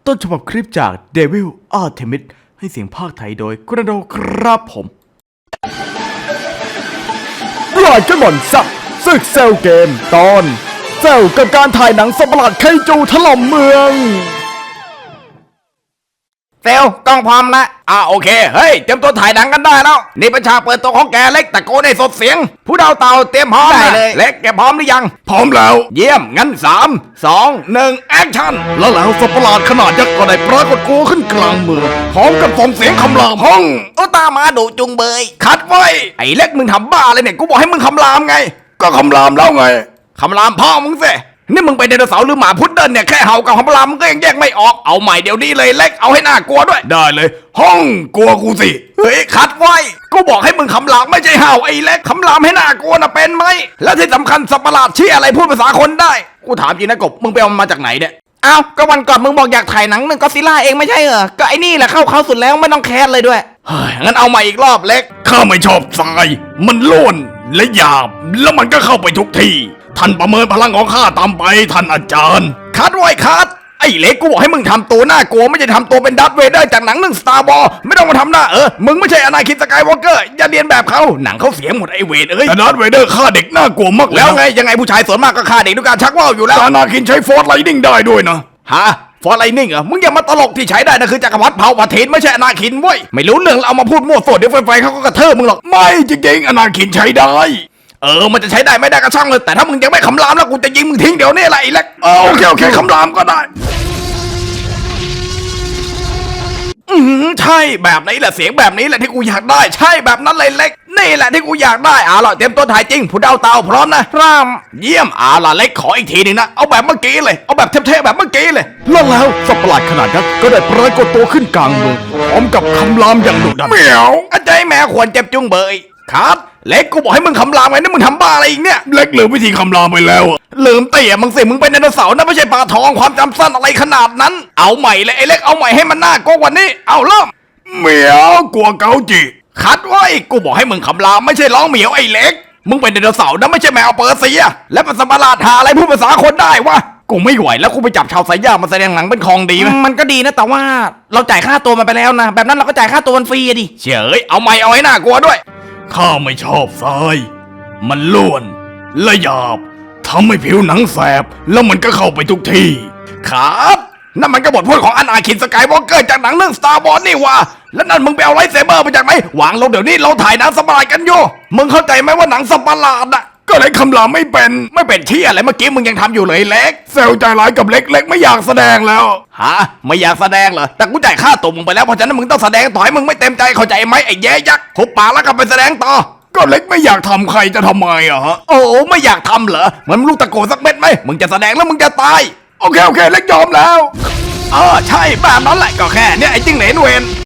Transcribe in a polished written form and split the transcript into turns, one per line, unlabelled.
ต้นฉบับคลิปจาก Devil Artemis ให้เสียงภาคไทยโดยกระโดครับผมรายกันบ่อนสักศึกเซลเกมตอนเซลกับการถ่ายหนังสัตว์ประหลาดไคจูถล่มเมือง
เซลกล้องพร้อมละโอเคเฮ้ยเตรียมตัวถ่ายหนังกันได้แล้วนี่เป็นฉากเปิดตัวของแกเล็กตะโกนให้สดเสียงผู้ดาวเต่าเตรียมพร้อมได้เลยเล็กแกพร้อมหรือยัง
พร้อมแล้ว
เยี่ยมงั้น3 2 1แอคชั่น
แล้วสัตว์ประหลาดขนาดยักษ์ก็ได้ปรากฏตัวขึ้นกลางเมืองพร้อมกับส่งเสียงคำรามห้อง
ตามาดุจุงเบยคัดไว้ไอ้เล็กมึงทำบ้าอะไรเนี่ยกูบอกให้มึงคำรามไง
ก็คำรามแล้วไง
คำรามพ่อมึงสินี่มึงเป็นไดโนเสาร์หรือหมาพุดเดิ้ลเนี่ยแค่เห่ากับคำรามมึงก็ยังแยกไม่ออกเอาใหม่เดี๋ยวนี้เลยเล็กเอาให้น่ากลัวด้วย
ได้เลยห้องกลัวกูสิ
เฮ้ยคัดไว้กูบอกให้มึงคำรามไม่ใช่เห่าไอ้เล็กคำรามให้น่ากลัวนะเป็นไหมแล้วที่สำคัญสัตว์ประหลาดเชี่ยอะไรพูดภาษาคนได้กูถามจริงนะกบมึงไปเอามันมาจากไหนเนี่ยอ้าวก็วันก่อนมึงบอกอยากถ่ายหนังก็อดซิลล่าเองไม่ใช่เหรอก็ไอ้นี่แหละเข้าสุดแล้วไม่ต้องแคสเลยด้วย
เฮ้ยงั้นเอามาอีกรอบเล็กข้าไม่ชอบทรายมันล้วนและหยาบแล้วมันก็เข้าไปทุกที่ท่านประเมินพลังของข้าตามไปท่านอาจารย์
คัดไว้คัดไอ้เล็กกูบอกให้มึงทำตัวน่ากลัวไม่ใช่ทำตัวเป็นดัตเวเดอร์จากหนังเรื่อง Star Wars ไม่ต้องมาทำหน้ามึงไม่ใช่อนาคินสกายวอล์กเกอร์อย่าเรียนแบบเขาหนังเขาเสียหมดไอ้เวท
แต่ดัตเวเดอร์ฆ่าเด็กน่ากลัวมาก
แล้วไงยังไงผู้ชายส่วนมากก็ฆ่าเด็กด้วยการชักว่าวอยู่แล้ว
อนาคินใช้ฟอร์สไลนิ่งได้ด้วยนะ
ฮะฟอร์ไลนิ่งมึงอย่ามาตลกที่ใช้ได้นะคือจักรพรรดิเผ่าปะเทนไม่ใช่อนาคินเว้ยไม่รู้เรื่องเอามาพูดมั่วโสดเดี๋ยวไฟเขาก็กระเทิบมึงหรอก
ไม่จริงๆอนาคินใช้ได้
มันจะใช้ได้ไม่ได้ก็ช่างเลยแต่ถ้ามึงยังไม่คำรามแล้วกูจะยิงมึงทิ้งเดี๋ยวนี้แหละไอ้เล็ก
โอเคคำรามก็ได้
ใช่แบบนี้แหละเสียงแบบนี้แหละที่กูอยากได้ใช่แบบนั้นเลยเล็กนี่แหละที่กูอยากได้ล่ะเตรียมตัวถ่ายจริงผู้ดาวเต่าพร้อมนะรามเยี่ยมล่ะเล็กขออีกทีนึงนะเอาแบบเมื่อกี้เลยเอาแบบเท่ๆแบบเมื่อกี้เลย
แล้วสัตว์ประหลาดขนาดยักษ์ก็ได้ปรากฏตัวขึ้นกลางเมืองพร้อมกับคำรามอย่างดุดัน
เหมียวอาจารย์แม่ควรเจ็บจุงเบยครับเล็กกูบอกให้มึงคำรามไงนี่มึงทำบ้าอะไรอีกเนี่ย
เล็กลืมวิธีคำรามไปแล้ว
ลืมเตี่ยมึงสิมึงเป็นไดโนเสาร์นะไม่ใช่ปลาทองความจำสั้นอะไรขนาดนั้นเอาใหม่เลยไอ้เล็กเอาใหม่ให้มันน่ากลัวกว่านี้เอาเริ่ม
เหมียวกลัวเกาจิ
คัดไว้กูบอกให้มึงคำรามไม่ใช่ร้องเหมียวไอ้เล็กมึงเป็นไดโนเสาร์นะไม่ใช่แมวเปอร์เซียและเป็นสัตว์ประหลาดหาอะไรพูดภาษาคนได้วะกูไม่ไหวแล้วกูไปจับชาวไซย่ามาแสดงหนังเป็นคองดีไหมมันก็ดีนะแต่ว่าเราจ่ายค่าตัวมันไปแล้วนะแบบนั้นเราก็จ่ายค่าตัวมันฟรีดิเฉยเอาไม่เอาให้น่ากลัวด้วย
ข้าไม่ชอบทรายมันล้วนและหยาบทำให้ผิวหนังแสบแล้วมันก็เข้าไปทุกที่
ครับนั่นมันก็บทพูดของอนาคินสกายวอล์กเกอร์จากหนังเรื่อง Star Wars นี่วะแล้วนั่นมึงไปเอาไลท์เซเบอร์มาจากไหนวางลงเดี๋ยวนี้เราถ่ายหนังสัตว์ประหลาดกันอยู่มึงเข้าใจไหมว่าหนังสัตว์ประหลาด
ก็เล็กคำรามไม่เป็น
ที่อะไรเมื่อกี้มึงยังทำอยู่เลยเล็ก
เซลใจร้ายกับเล็กไม่อยากแสดงแล้ว
ฮะไม่อยากแสดงเหรอแต่กูจ่ายค่าตัวมึงไปแล้วเพราะฉะนั้นมึงต้องแสดงต่อให้มึงไม่เต็มใจเข้าใจไหมไอ้แย่ยักษ์หุบปากแล้วก็ไปแสดงต่อ
ก็เล็กไม่อยากทำใครจะทำไมฮะ
โอ้ไม่อยากทำเหรอเหมือนลูกตะโกนสักเม็ดไหมมึงจะแสดงแล้วมึงจะตาย
โอเคเล็กยอมแล้ว
ใช่แบบนั้นแหละก็แค่เนี่ยไอ้จิ้งเหลนเวน